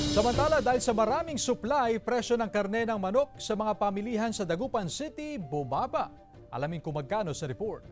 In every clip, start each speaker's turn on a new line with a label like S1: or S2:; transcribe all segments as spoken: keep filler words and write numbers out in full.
S1: Samantala, dahil sa maraming supply, presyo ng karne ng manok sa mga pamilihan sa Dagupan City bumaba. Alamin kung magkano sa report.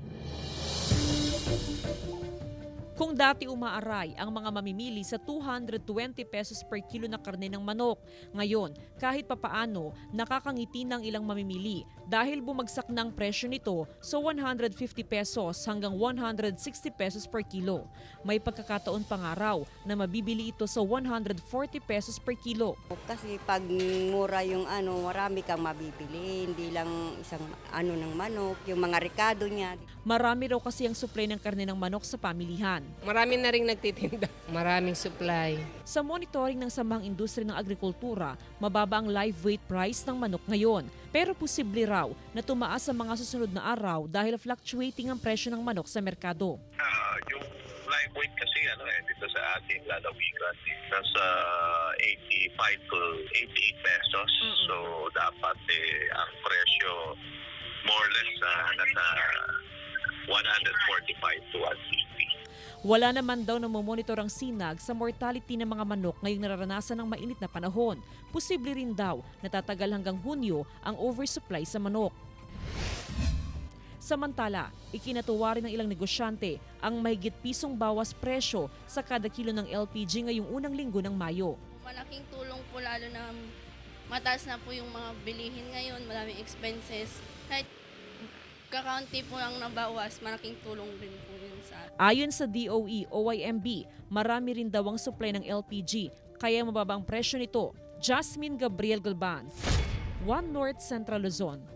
S2: Kung dati umaaray ang mga mamimili sa two hundred twenty pesos per kilo na karne ng manok, ngayon kahit papaano nakakangiti ng ilang mamimili dahil bumagsak ng presyo nito sa one hundred fifty pesos hanggang one hundred sixty pesos per kilo. May pagkakataon pang araw na mabibili ito sa one hundred forty pesos per kilo.
S3: Kasi pag mura yung ano, marami kang mabibili, hindi lang isang ano ng manok, yung mga rekado niya.
S2: Marami raw kasi ang supply ng karne ng manok sa pamilihan.
S4: Marami na rin nagtitinda. Maraming supply.
S2: Sa monitoring ng Samahang Industriya ng Agrikultura, mababa ang live weight price ng manok ngayon. Pero posible raw na tumaas sa mga susunod na araw dahil fluctuating ang presyo ng manok sa merkado.
S5: Ah, yung live weight kasi ano eh, dito sa ating lalawigan, nasa eighty-five to eighty-eight pesos. Mm-hmm. So dapat eh, ang presyo more or less uh, nasa one forty-five to one fifty.
S2: Wala naman daw na monitor ang sinag sa mortality ng mga manok ngayong nararanasan ng mainit na panahon. Posible rin daw na tatagal hanggang Hunyo ang oversupply sa manok. Samantala, ikinatuwa rin ng ilang negosyante ang mahigit pisong bawas presyo sa kada kilo ng L P G ngayong unang linggo ng Mayo.
S6: Malaking tulong po lalo na mataas na po yung mga bilihin ngayon, maraming expenses. Kahit kakaunti po ang nabawas, malaking tulong din po yun sa atin.
S2: Ayon sa D O E O I M B, marami rin daw ang supply ng L P G, kaya mababa ang presyo nito. Jasmine Gabriel Galban, One North Central Luzon.